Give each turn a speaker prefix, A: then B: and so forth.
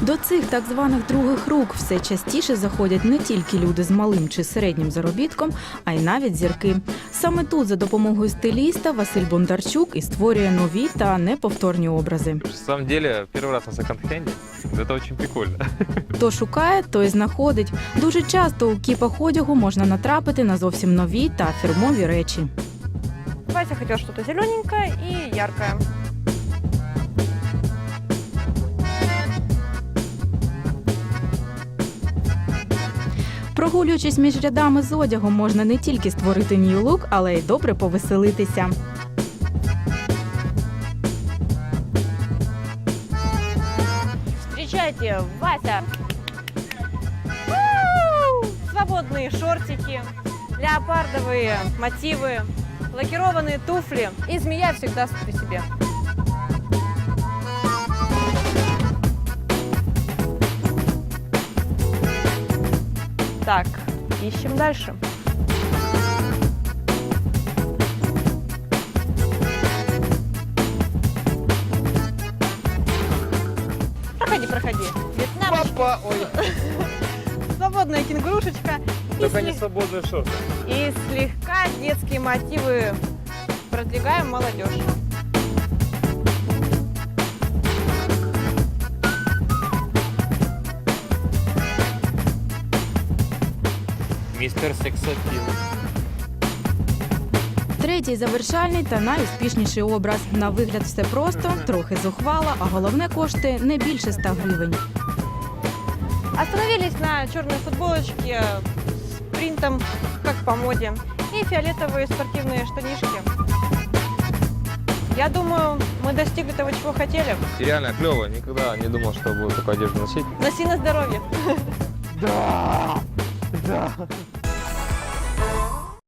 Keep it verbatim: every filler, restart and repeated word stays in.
A: До цих так званих других рук все частіше заходять не тільки люди з малим чи середнім заробітком, а й навіть зірки. Саме тут за допомогою стиліста Василь Бондарчук і створює нові та неповторні образи.
B: На самом деле, первый раз на секонд-хенде. Это очень прикольно.
A: Хто шукає, той знаходить. Дуже часто у кіпах одягу можна натрапити на зовсім нові та фірмові речі.
C: Вася хотел что-то зелененькое и яркое.
A: Прогулюючись між рядами з одягом, можна не тільки створити new look, але й добре повеселитися.
C: Встречайте, Вася! У-у-у! Свободные шортики, леопардовые мотивы, лакированные туфли. И змея всегда при себе. Так, ищем дальше. Проходи, проходи. Вьетнам.
B: Папа! Ой,
C: Свободная кенгурушечка. И,
B: только не
C: слег-
B: свободные шорты.
C: и слегка детские мотивы. Продвигаем молодежь.
B: Мистер Сексапил.
A: Третій завершальний та найуспішніший образ. На вигляд все просто, трохи зухвало, а головне коштує не більше ста гривень.
C: Остановились на черной футболочке с принтом, как по моде, и фиолетовые спортивные штанишки. Я думаю, мы достигли того, чего хотели.
B: И реально клево. Никогда не думал, что буду такую одежду носить.
C: Носи на здоровье.
B: Да! Да!